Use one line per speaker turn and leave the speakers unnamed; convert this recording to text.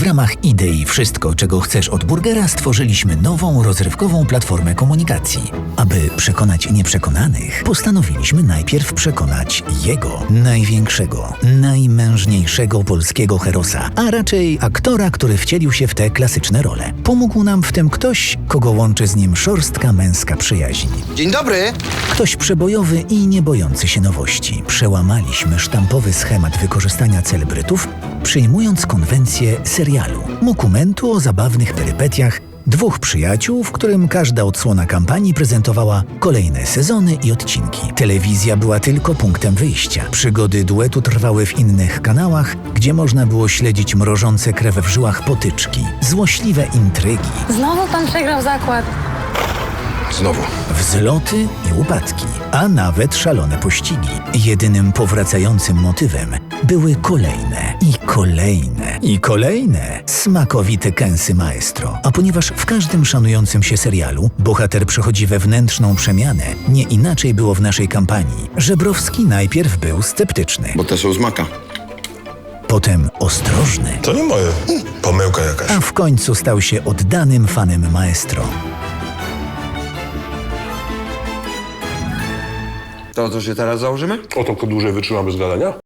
ramach idei Wszystko, czego chcesz od burgera, stworzyliśmy nową, rozrywkową platformę komunikacji. Aby przekonać nieprzekonanych, postanowiliśmy najpierw przekonać jego, największego, najmężniejszego polskiego herosa, a raczej aktora, który wcielił się w te klasyczne role. Pomógł nam w tym ktoś, kogo łączy z nim szorstka męska przyjaźń.
Dzień dobry!
Ktoś przebojowy i nie bojący się nowości. Przełamaliśmy sztampowy schemat wykorzystania celebrytów, przyjmując konwencję serialu, dokumentu o zabawnych perypetiach dwóch przyjaciół, w którym każda odsłona kampanii prezentowała kolejne sezony i odcinki. Telewizja była tylko punktem wyjścia. Przygody duetu trwały w innych kanałach, gdzie można było śledzić mrożące krew w żyłach potyczki, złośliwe intrygi,
Znowu pan przegrał zakład.
Znowu.
wzloty i upadki, a nawet szalone pościgi. Jedynym powracającym motywem były kolejne i kolejne i kolejne smakowite kęsy maestro. A ponieważ w każdym szanującym się serialu bohater przechodzi wewnętrzną przemianę, nie inaczej było w naszej kampanii. Żebrowski najpierw był sceptyczny,
Bo te są z maka.
potem ostrożny,
To nie moje. Pomyłka jakaś.
a w końcu stał się oddanym fanem maestro.
To co się teraz założymy?
O to dłużej wytrzyma bez gadania?